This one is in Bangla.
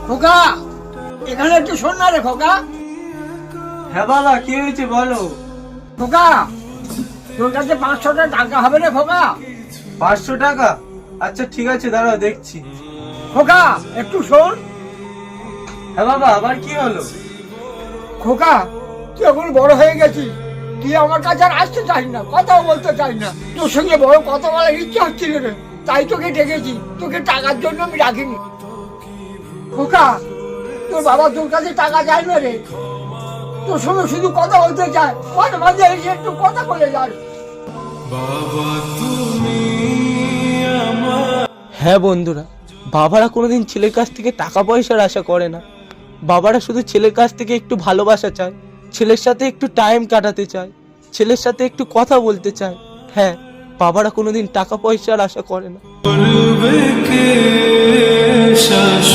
খোকা, এখানে একটু শোন না রে খোকা। হ্যাঁ বাবা, কি হয়েছে বলো। খোকা, তোর কাছে 500 টাকা হবে রে খোকা? 500 টাকা? আচ্ছা ঠিক আছে, দাঁড়াও দেখছি। খোকা একটু শোন। হ্যাঁ বাবা, আবার কি হলো? খোকা, তুই এখন বড় হয়ে গেছিস, তুই আমার কাছে আর আসতে চাস না, কথাও বলতে চাস না। তোর সঙ্গে বড় কথা বলার ইচ্ছা হচ্ছিল রে, তাই তোকে ডেকেছি। তোকে টাকার জন্য আমি ডাকিনি। খোকা, তোর বাবা তোর কাছে টাকা চায় না রে, তোর সঙ্গে শুধু কথা বলতে চায়। মাঝে মাঝে এসে একটু কথা বলে যাস। হ্যাঁ বন্ধুরা, বাবারা কোনোদিন ছেলের কাছ থেকে টাকা পয়সার আশা করে না। বাবারা শুধু ছেলের কাছ থেকে একটু ভালোবাসা চায়, ছেলের সাথে একটু টাইম কাটাতে চায়, ছেলের সাথে একটু কথা বলতে চায়। হ্যাঁ, বাবারা কোনোদিন টাকা পয়সার আশা করে না।